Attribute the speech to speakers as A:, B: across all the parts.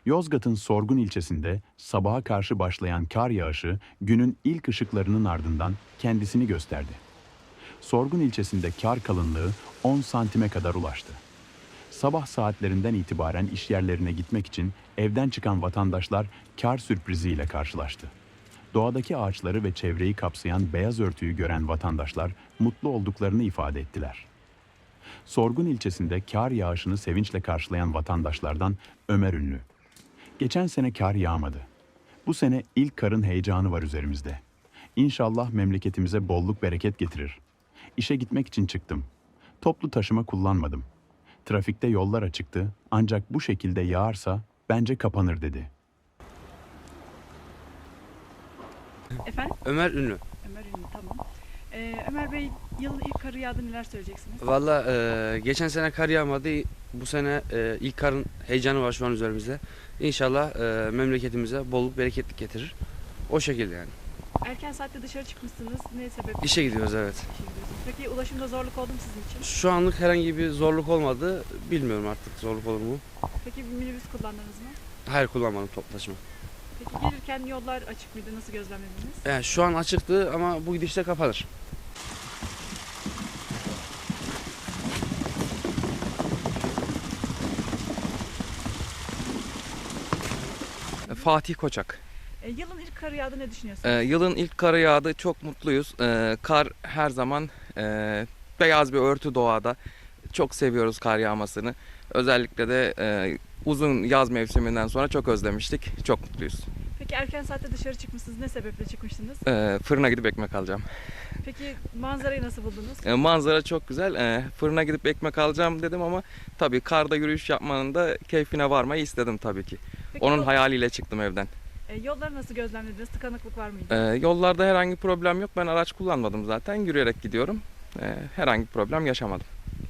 A: Yozgat'ın Sorgun ilçesinde sabaha karşı başlayan kar yağışı günün ilk ışıklarının ardından kendisini gösterdi. Sorgun ilçesinde kar kalınlığı 10 santime kadar ulaştı. Sabah saatlerinden itibaren iş yerlerine gitmek için evden çıkan vatandaşlar kar sürpriziyle karşılaştı. Doğadaki ağaçları ve çevreyi kapsayan beyaz örtüyü gören vatandaşlar mutlu olduklarını ifade ettiler. Sorgun ilçesinde kar yağışını sevinçle karşılayan vatandaşlardan Ömer Ünlü. Geçen sene kar yağmadı. Bu sene ilk karın heyecanı var üzerimizde. İnşallah memleketimize bolluk bereket getirir. İşe gitmek için çıktım. Toplu taşıma kullanmadım. Trafikte yollar açıktı ancak bu şekilde yağarsa bence kapanır dedi.
B: Efendim?
C: Ömer Ünlü.
B: Ömer Ünlü, tamam. Ömer Bey, yılın ilk karı yağdı, neler söyleyeceksiniz?
C: Valla geçen sene kar yağmadı. Bu sene ilk karın heyecanı var şu an üzerimizde. İnşallah memleketimize bolluk bereketlik getirir. O şekilde yani.
B: Erken saatte dışarı çıkmışsınız. Ne sebeple?
C: İşe gidiyoruz, evet.
B: İşe gidiyorsunuz. Peki ulaşımda zorluk oldu mu sizin için?
C: Şu anlık herhangi bir zorluk olmadı. Bilmiyorum artık zorluk olur mu?
B: Peki bir minibüs kullandınız mı?
C: Hayır, kullanmadım toplu taşıma.
B: Peki gelirken yollar açık mıydı? Nasıl gözlemlediniz?
C: Yani şu an açıktı ama bu gidişte kapanır.
D: Fatih Koçak.
B: Yılın ilk karı yağdı, ne düşünüyorsunuz?
D: Yılın ilk karı yağdı. Çok mutluyuz. Kar her zaman beyaz bir örtü doğada. Çok seviyoruz kar yağmasını. Özellikle de uzun yaz mevsiminden sonra çok özlemiştik. Çok mutluyuz.
B: Peki erken saatte dışarı çıkmışsınız. Ne sebeple çıkmıştınız?
D: Fırına gidip ekmek alacağım.
B: Peki manzarayı nasıl buldunuz?
D: Manzara çok güzel. Fırına gidip ekmek alacağım dedim ama tabii karda yürüyüş yapmanın da keyfine varmayı istedim tabii ki.
B: Peki
D: Onun hayaliyle çıktım evden.
B: yolları nasıl gözlemlediniz? Tıkanıklık var mıydı?
D: Yollarda herhangi bir problem yok. Ben araç kullanmadım zaten. Yürüyerek gidiyorum. Herhangi bir problem yaşamadım.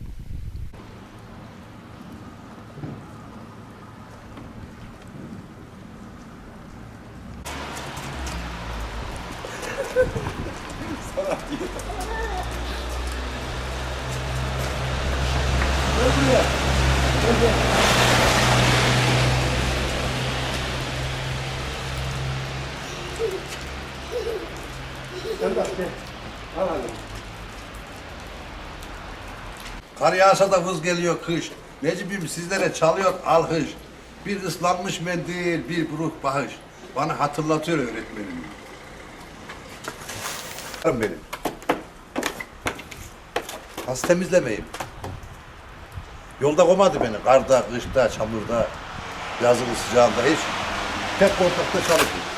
E: Kar yağsa da vız geliyor kış. Necip'im sizlere çalıyor alkış. Bir ıslanmış mendil, bir buruk bahış. Bana hatırlatıyor öğretmenim. Benim. Nasıl temizlemeyeyim? Yolda koymadı beni. Karda, kışta, çamurda, yazın sıcağında hiç. Tek ortakta çalışıyor.